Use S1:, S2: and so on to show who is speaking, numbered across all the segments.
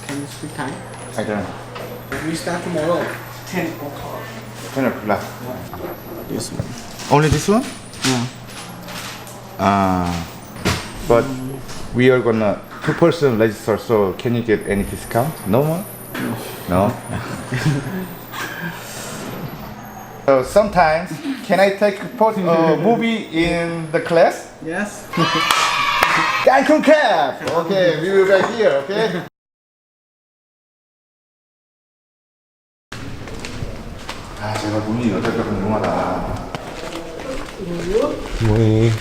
S1: Can you speak Thai?
S2: I don't know.
S1: We start tomorrow. 10 o'clock.
S2: 10 o'clock.
S1: This one.
S2: Only this one?
S1: Yeah.
S2: But we are gonna two-person register, so can you get any discount? No more? No. So sometimes, can I take a movie in the class?
S1: Yes.
S2: Cancun Cap! Okay, we will be right here, okay? 아, 제가 눈이 어떨까 궁금하다.
S3: 뭐해?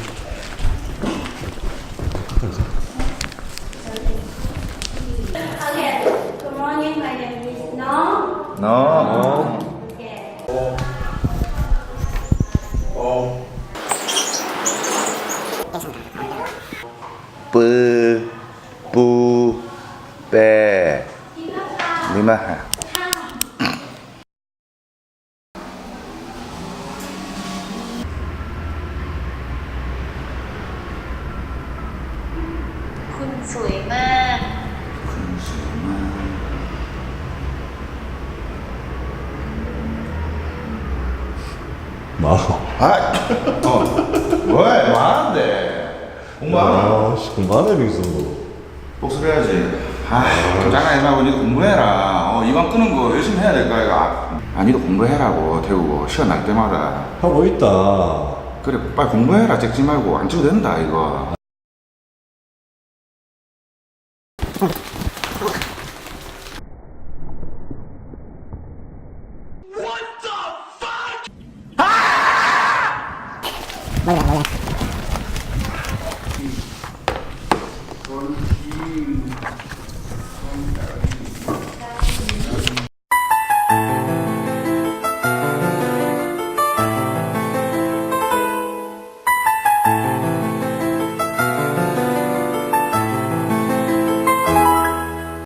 S4: Okay. Good morning. My name is No.
S2: No.
S4: Okay.
S2: 뿌, 뿌, 빼, 리마하.
S4: Khun sủi ma.
S3: 마.
S2: 아, 왜? 많은데. 공부하나?
S3: 아, 씨, 그만해, 빙수.
S2: 복습해야지. 아, 장난하지 말고 니도 공부해라. 이번 끄는 거 열심히 해야 될 거야, 이거. 아, 니도 공부해라고, 태우고. 시간 날 때마다.
S3: 하고 있다.
S2: 그래, 빨리 공부해라. 찍지 말고. 안 찍어도 된다, 이거.
S5: 몰라.